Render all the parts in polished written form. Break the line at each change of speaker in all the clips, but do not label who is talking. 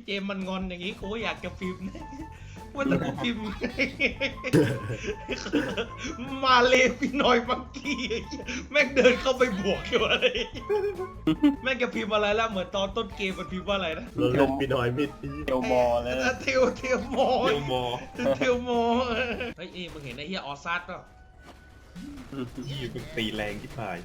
พี่เจมมันงอนอย่างนี้กูก็อยากจะพิมพ์นะว่าแต่กูพิมพ์มาเลยพี่น้อยมังกี้แม่งเดินเข้าไปบวกอยู่อะไรแม่งจะพิมพ์อะไรแล้วเหมือนตอนต้นเกมมันพิมพ์ว่าอะไรนะ
เราเล่นปีน้อยมิด
เทลมอแล้ว
เทียวโม
เดียวมอ
เทียวโมเฮ้ยมึงเห็นไอ้เฮียออซัสป่ะ
ยี่เป็นตีแรงที่ผ่าน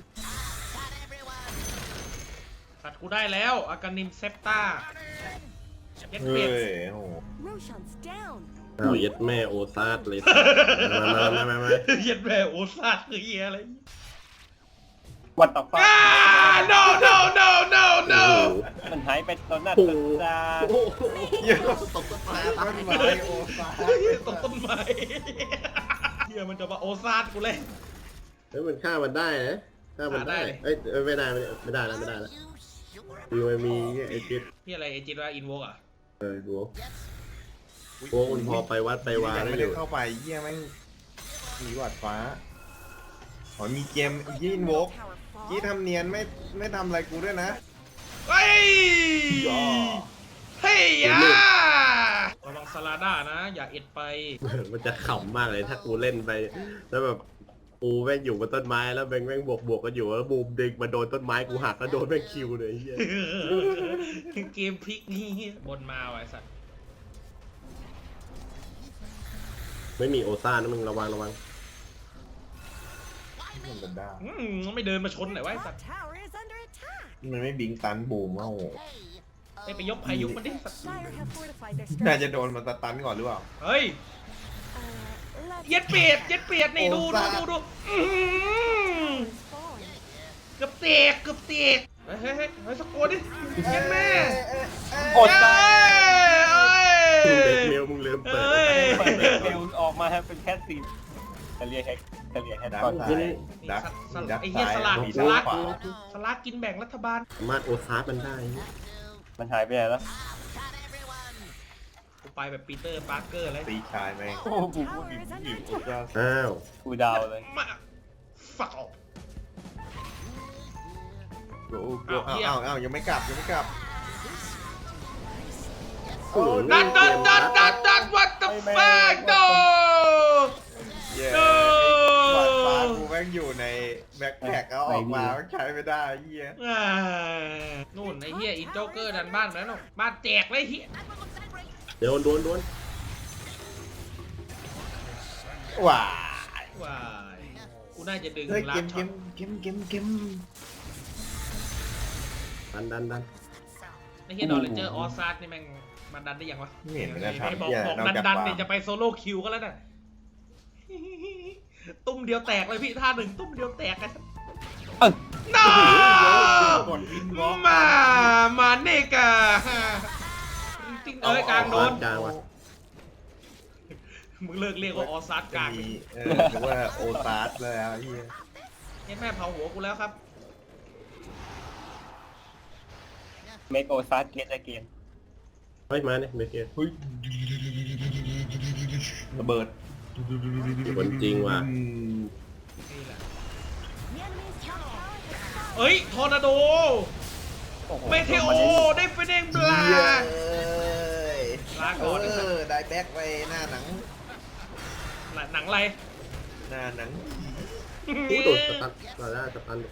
สัตว์กูได้แล้วอากานิมเซปตาเย็ด
เฮ้
เป็ด
ยโอ้โห
Roshan's down.
เอาเย็ดแม่โอซาดเลยมา
เย็ดแม่โอซัสคือเฮียอะไร
วัดต่อฟ้า
no no no no no
มันหายไปตอนหน้าตา
โอ้โห
เยอะตกต้นไม้โอ้ฟ้า
ตกต้นไม้เฮียมันจะมาโอซัสกูเลย
เฮ้ยมันฆ่ามันได้นะฆ่ามันได้เอ้ยไม่ได้แล้วดูมันมีไอ้จิต
พี่อะไรเอจิตว่าอินโวกอ่ะ
ดูโอ้มันพอไปวัดไปวา
ยัง
ได้
ไม่
อ
ได้
ยู่
เข้าไปเยี่ยแม่งมีหวัดฟ้าอ๋อมีเกมยี่นวก
Tower
ยี่
fall.
ทำเนียนไม่ทำอะไรกูด้วยนะ
เฮ้ย
ย่อ
เฮ้ยยาระวังสลาด้านะอย่าเอ็ดไป
มันจะขำมากเลยถ้ากูเล่นไปแล้วแบบกูแม่งอยู่บนต้นไม้แล้วแม่งบวกกันอยู่แล้วบูมดึงมาโดนต้นไม้กูหักแล้วโดนแม่งคิวเลยเฮีย
เกมพลิกนี่บนมาว่ะไอ้สัตว์
ไม่มีโอซ่านะมึงระวัง
มันจะได้
ไม่เดินมาชนหน่อยวะไอ้สัต
That
ว์
tower is under attack.
มันไม่บิงตันบูมว่าโอ้โห
ไปยกพายุมันดิสัตว์
Shire have fortified their
น่า
strength.
จะโดนมันสตันก่อนหรือเปล่า
เฮ้ย
Let's
เย็ดเปียดนี่ดู
โอ้สัตว์
falling.
เกือบเตกเฮ้ยสกโกดิเย็ดแม่
กดตา
เอ้ย
เด็กเมลมึงลืมเปิด
เอ้ย
เปิดเร็วออกมาเป็นแค่ซีนทะเลแฮก
ดัก
ก่อน
ซ้ายดัก
ไอ้เหี้ยสลัก
มี
ส
ด้าน
ลัก
ขวา
สลักกินแบ่งรัฐบาล
สามารถโอซาดมันได้
มันหายไปไหนแล้ว
กูไปแบบปีเตอร์ปาร์เกอร์เลย
ตีชายแม่ง
โอ้กูพูด
Tower is
อยู่
under attack.
อ้าว
กูดาวเลย
มาฝักออก
โอ้โหอ้าวยังไม่กลับ
ดัน what the fuck no
เย้
No
หวัดฟ้ากูแม่งอยู่ในแบ็คแพ็คเอาออกมาใช้ไม่ได้เฮีย
นู่นไอ้เหี้ยอีโจ๊กเกอร์ดันบ้านแล้วเนาะบ้านแจกเลยเหี้ย
เดี๋ยวโดน
ว้า
ว้ายกูน่าจะดึง
เฮ้ย
ล้า
เก
ง
ม
ช็อต
ดัน
ไอ้เหี้ยดอลเลนเจอร์ออซาร์นี่แม่งมันดันได้ยังวะ
ไม่เห็นมันจะ
ไอ้
ทำ
บอก
เฮีย
บอก
นอกจาก
ดัน
ฟา
เนี่ย
ร์ม
จะไปโซโล่คิวก็แล้วน่ะตุ้มเดียวแตกเลยพี่ท่าหนึ่งตุ้มเดียวแตกกันน้า
กดวินวอล์ก
มาเนกาติ้งกลางโดน
กลางว่ะ
มึงเลิกเรียกว่าออซาร์กลาง
มีหรือว่าโอตาร์สแล้วเฮีย
เนี่ยแม่เผาหัวกูแล้วครับ
เมโกซัสเกตเกน
เฮ้ยมาเนี่ยเบเกอร์
เฮ้ยระเบิด
คนจริงว่ะ
นี่แหละ
The enemy's top tower has fallen.
เอ้ยทอร์นาโดเมเทโอได้เฟเดงบลา ลาก่อน
ได้แบ็คไปหน้าหนัง
หนังอะไร
หน้าหนัง
กูโดนสตันมาได้สตัน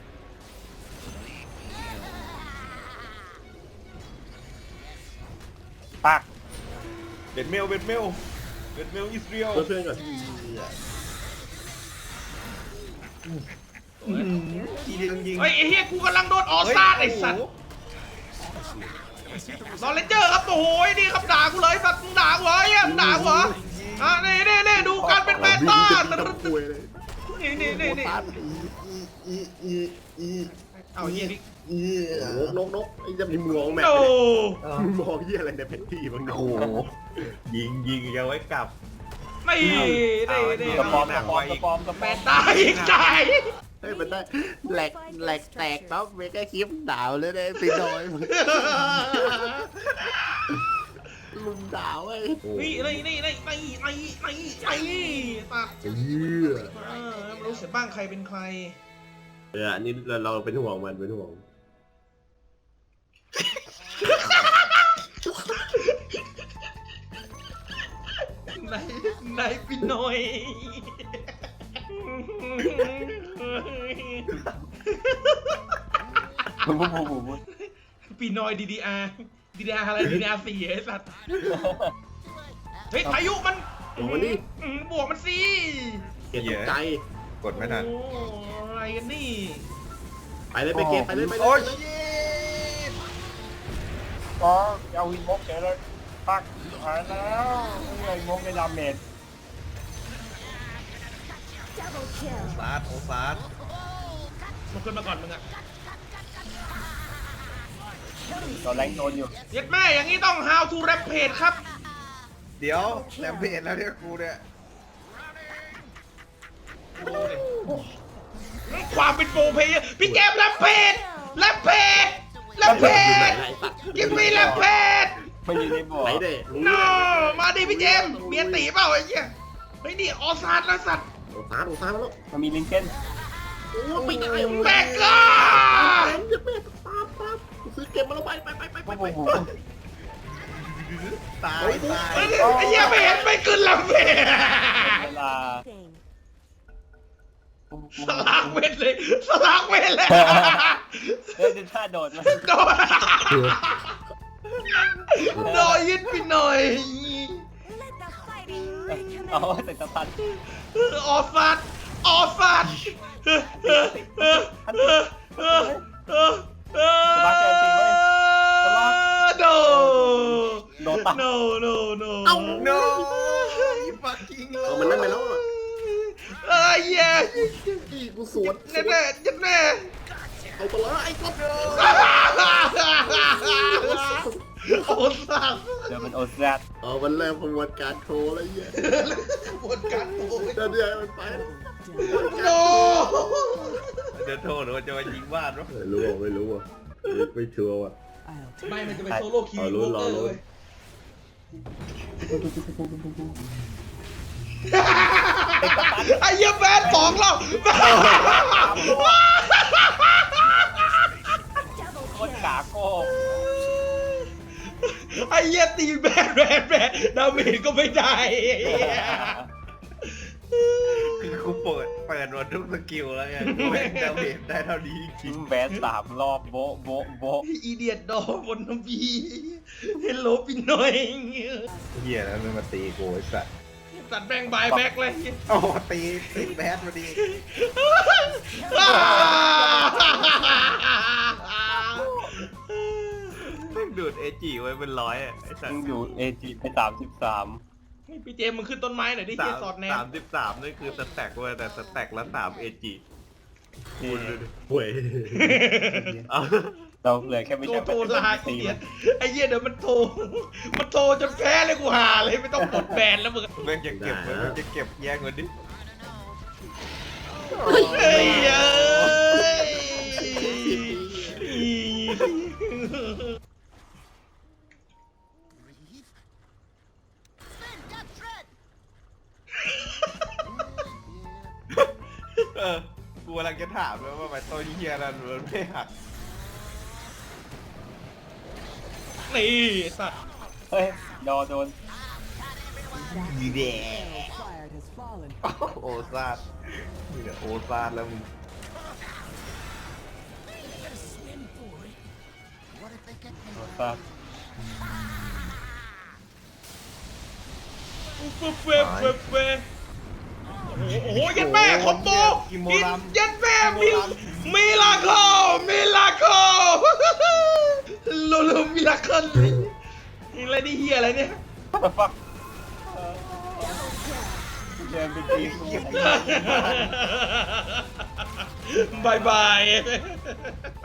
ปัก
เบ็ดเมลอิสเรียล
เพื่อนก่อน
ทีเดียวยิง
เฮ้ยไอ้เหี้ยกูกำลังโดนออซาร์ไอ้สัตว์ดอลเลนเจอร์ครับโอ้โหนี่ครับด่ากูเลยสัตว์มึงด่ากูเหรอมึงด่ากูเหรออ่ะนี่ดูการเป็นแมตตา
คุยเลย
นี่
อี
เอาเหี้ยนี่
นกไอ้จะมีมองแม่
โอ้
มองเหี้ยอะไรในแผนที่บาง
โอ้โหยิงยังไว้กลับ
ไม่
กระปอม
แมตตาอีกใจ
เฮ้ยมันได้แหลกแตกปั๊บเมกะคลิปดาวเลยได้ปีน้อยมึงดาวไอ้
นี่ตัด
เหี้ย
ไม่รู้เสียบ้างใครเป็นใคร
อันนี้เราเป็นห่วงมันเป็นห่วง
ไหนพี่หน่อย ปีนอย DDR อะไร DDR 4ไอ้สัตว์เฮ้ยพายุมัน
โอ้โหนี่
บวกมันสิ
เกลียดตกใจ
กดไม่ทัน
โอ้อะไรกันนี่
ไปเลยไปเกมไปเลยไปเลย
โอ้ย
ไปเลย
ชิต
ก็เอาวินมกเฉยเลยปักหายแล้วไอ้มกในดาเมจ
Double kill.
ซาดโอซาด
มันขึ้นมาก่อนมึงอะ
ตอนแรงโดนอยู่
เย็ดแม่อย่างนี้ต้อง how to rampage ครับ
เดี๋ยวแลมเพจแล้วเนี่ยกูเนี่ย
ความเป็นโปรเพลเยอร์พี่เกมแรมเพจแรมเพจแรมเพ
อยู่ไหน
จ
ล่ะไอ้สัตว์
กิมมี่แรมเพจ
ไม่อยู่ในบ่อ
ไหนเด้รู้
no
เลย
มาดิพี่เจมส์เมียตีเปล่าไอ้เหี้ยเฮ้ยนี่ออซาร์นะสัตว์
โอ้ฟ้าโอ้ฟ้ามาแล้ว
มันมีลิงเกน
โอ้ไม่ได้
แบกก้า
เต็มจะแม่ปั๊บซื้อเกมมาแล้วไป
โอ้โห
ตายตาย
ไอ้เหี้ยไม่เห็นไม่ขึ้นแรมเพจ
เวลา
Thing.
สลากเวทเลยสลากเวทเลย
เฮ้ยดูท่าโดดมา
โดนโดนยึดไปหน่อย
Let the fighting
เอา
recommence.
แต่สะพัน
ออฟาดออฟาดโด
โดนตัด
no no no
เอ้า
โน้ยฟักกิ้งเล
เอามันนั่นไปแล้วอ่ะ
เอ้ยเย้
อีกูสวน
แน่แน่ยัดแน่
เอาไปเลยไอ้ก๊อฟ
โอ้สัส
เดี๋ยวมันโอแซด
เอามันเริ่มขบวนการโทรแล้วเหี้ย
ปวดการโอ้ย
เดี๋ยวมันไป
โน
เดี๋ยวโทษหรือว่าจะมายิงบ้านวะ
ไม่รู้อ่ะไม่ชัวร์ว่ะ
ไม่มันจะเป็นโซโล่คิว
เอาลุ้นรอลุ้น
ไอ้เหี้ยแบนสองแล้ว
Double
โคตร
kill.
กาโก้
ไอ้เหี้ยตีแบนดาเมจก็ไม่ได้
คือกูเปิดหมดทุกสกิลแล้วไงกูแม่งดาเมจได้เท่านี้จริ
ทิ้
ง
งแบน3 รอบโบะโบะโบะ
อีเดียดดอบนน้ำพีเฮลโลพี่น้อย
เหี้ยแล้วมันมาตีกูไอ้สัตว์
สัตว์แบงบายแบ็กเลย
โอ้ตีแบดมาดี แม่งดูดเอจิไว้เป็นร้อยอ่ะไอ้สัต
ทิ้ง
ว์
อยู่เอจีไป33
พี่เจมส์มึงขึ้นต้นไม้หน่อยดิเฮียสอดแนม
33นี่คือสแต็กเว้ยแต่สแต็กละ3เอจิ
ห่วย
เอา
เราเหลือแค่ไม่
โทร
ใช่
โทรลา
ตี
เฮี
มั
ย
น
ไอ้เหี้ยเดี๋ยวมันโทรจนแพ้เลยกูหาเลยไม่ต้องกดแบนแล้วมึง
แม่งจะเก็บไว้แม่งจะเก็บแยกไว้ดิ
เฮ้ยเอ้ย
กูกำลังจะถามเลยว่าไปต้นเฮียนั่นมันไม่หัก
นี่สัตว์
เฮ้ยดอโดน
ยีแดโอซาดนี่แหละโอซาดแล้วมึง
โดนตัด
เฟโอ้โหยัดแม่คอมโบยัดแม่มิลาโคโลมิลาเคิลอะไรนี่เฮียอะไรเนี่ย
ฟักเดินไปตีกู
บาย